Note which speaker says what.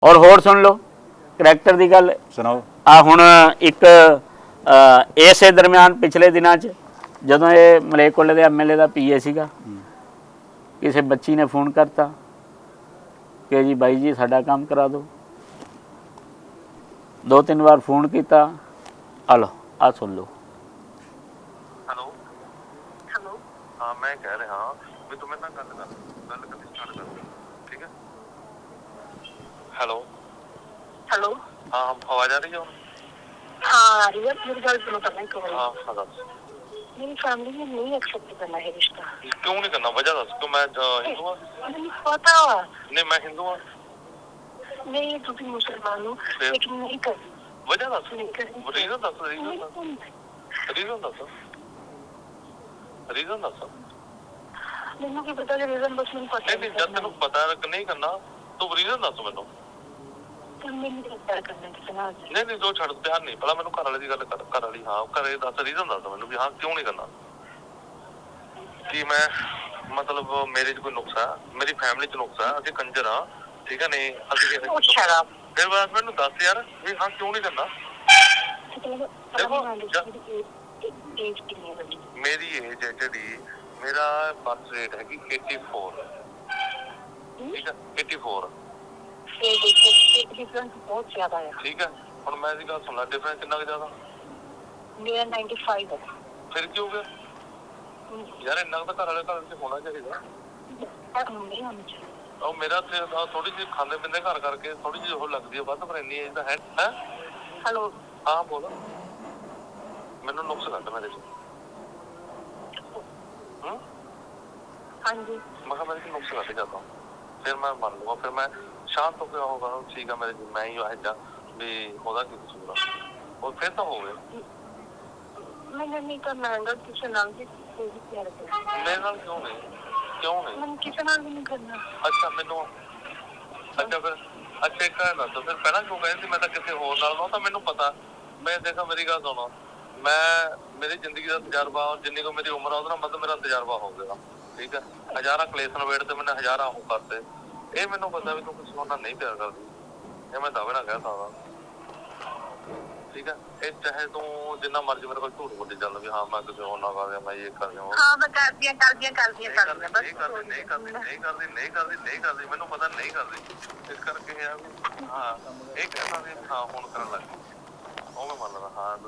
Speaker 1: और होर सुन लो करैक्टर की गल
Speaker 2: सुनाओ।
Speaker 1: आ हुण एक इसे दरम्यान पिछले दिनों जदों ये मलेरकोले के MLA का PA सीगा, किसी बच्ची ने फोन करता कि जी बाई जी साडा काम करा दो। 2-3 बार फोन किया, आ लो आ सुन लो।
Speaker 3: हेलो हेलो हाँ मैं कह रहा भी तुम्हें ना गल करनी स्टार्ट कर दो, ठीक है। हेलो हेलो हाँ आवाज आ रही है? हाँ आ रही है। मेरी गल सुनो पहले एक बार। हाँ हाँ दस। मेरी फैमिली ने नहीं एक्सेप्ट करना है रिश्ता। क्यों नहीं करना? वजह दस। क्यों? मैं हिंदू हूँ। मुझे पता। नहीं मैं हिंदू हूँ। नहीं तुम मुसलमान हो लेकिन नहीं कर। वजह दस। रीजन दस। रीजन दस। रीजन दस। ਮੈਨੂੰ ਕੀ ਪਤਾ ਰੀਜ਼ਨ ਬਸ ਮੈਨੂੰ ਪਤਾ ਨਹੀਂ। ਜਦ ਤੈਨੂੰ ਪਤਾ ਨਹੀਂ ਕਰਨਾ ਤੂੰ ਰੀਜ਼ਨ ਦੱਸ ਮੈਨੂੰ। ਮੈਨੂੰ ਪਿਆਰ ਕਰਨਾ ਕਿਸੇ ਨਾਲ ਨਹੀਂ ਨਹੀਂ ਜੋ ਛੱਡ ਪਿਆਰ ਨਹੀਂ ਪਹਿਲਾਂ ਮੈਨੂੰ ਘਰ ਵਾਲੇ ਦੀ ਗੱਲ ਕਰ। ਘਰ ਵਾਲੀ ਹਾਂ ਘਰੇ ਦੱਸ ਰੀਜ਼ਨ ਦੱਸ ਮੈਨੂੰ ਵੀ ਹਾਂ ਕਿਉਂ ਨਹੀਂ ਕਰਨਾ। ਕਿ ਮੈਂ ਮਤਲਬ ਮੇਰੇ 'ਚ ਕੋਈ ਨੁਕਸ ਆ, ਮੇਰੀ ਫੈਮਿਲੀ 'ਚ ਨੁਕਸ ਆ, ਅਸੀਂ ਕੰਜਰ ਆ, ਠੀਕ ਹੈ। ਨਹੀਂ ਅਸੀਂ ਫਿਰ ਬਸ ਮੈਨੂੰ ਦੱਸ ਯਾਰ ਵੀ ਹਾਂ ਕਿਉਂ ਨਹੀਂ ਕਰਨਾ। ਮੇਰੀ ਏਜ ਹੈ ਜਿਹੜੀ मेरा बर्थ रेट है कि 84, ठीक है 84। डिफरेंस बहुत ज्यादा है, ठीक है। और मैं इसी गल सुनना डिफरेंस कितना ज्यादा? मेरा 95 है। फिर क्यों हो गया यार? इन्ना तो घर वाले घर से होना चाहिए। और मेरा थोड़ी जी खाने पींदे घर करके थोड़ी जी वो लगती है बस, पर इन्नी एज है। हेलो हाँ बोलो। मैनू नुक्स कट मेरे च। हाँ जी मैं मेरे को नुक्स कट जाता फिर मैं मान लूंगा। फिर मैं शांत होकर होगा ठीक है मेरे मैं ही आया भी होगा कि कसूर और फिर तो हो गए। मैंने नहीं करना है किसी नाल भी मेरे नाल क्यों नहीं? क्यों नहीं? मैंने किसी नाल भी नहीं करना। अच्छा मैनू अच्छा फिर अच्छा एक कहना तो फिर पहला क्यों कहती मैं तो किसी होर नाल ना तो मैनू पता। मैं देखा मेरी गल सुनो मैं मेरी जिंदगी का तजर्बा और जिन्नी को मेरी उम्र है मतलब मेरा तजर्बा हो गया, ठीक है। हजारा कलेस नवेड़ते मैंने हजारा हो करते ये मैनू पता भी तू किसी होर नहीं प्यार करती ये मैं दावे ना कह सकता, ठीक है। ये चाहे तू जिन्ना मर्जी मेरे को झूठ बोली चल भी हाँ मैं किसी होर ना कर दिया मैं ये कर दिया हाँ मैं कर दिया नहीं करदी मैनू पता नहीं करदी इस करके हाँ ये कहता भी हाँ हुण करन लग गई ਉਹ ਮੈਂ ਮੰਨਦਾ ਹਾਂ।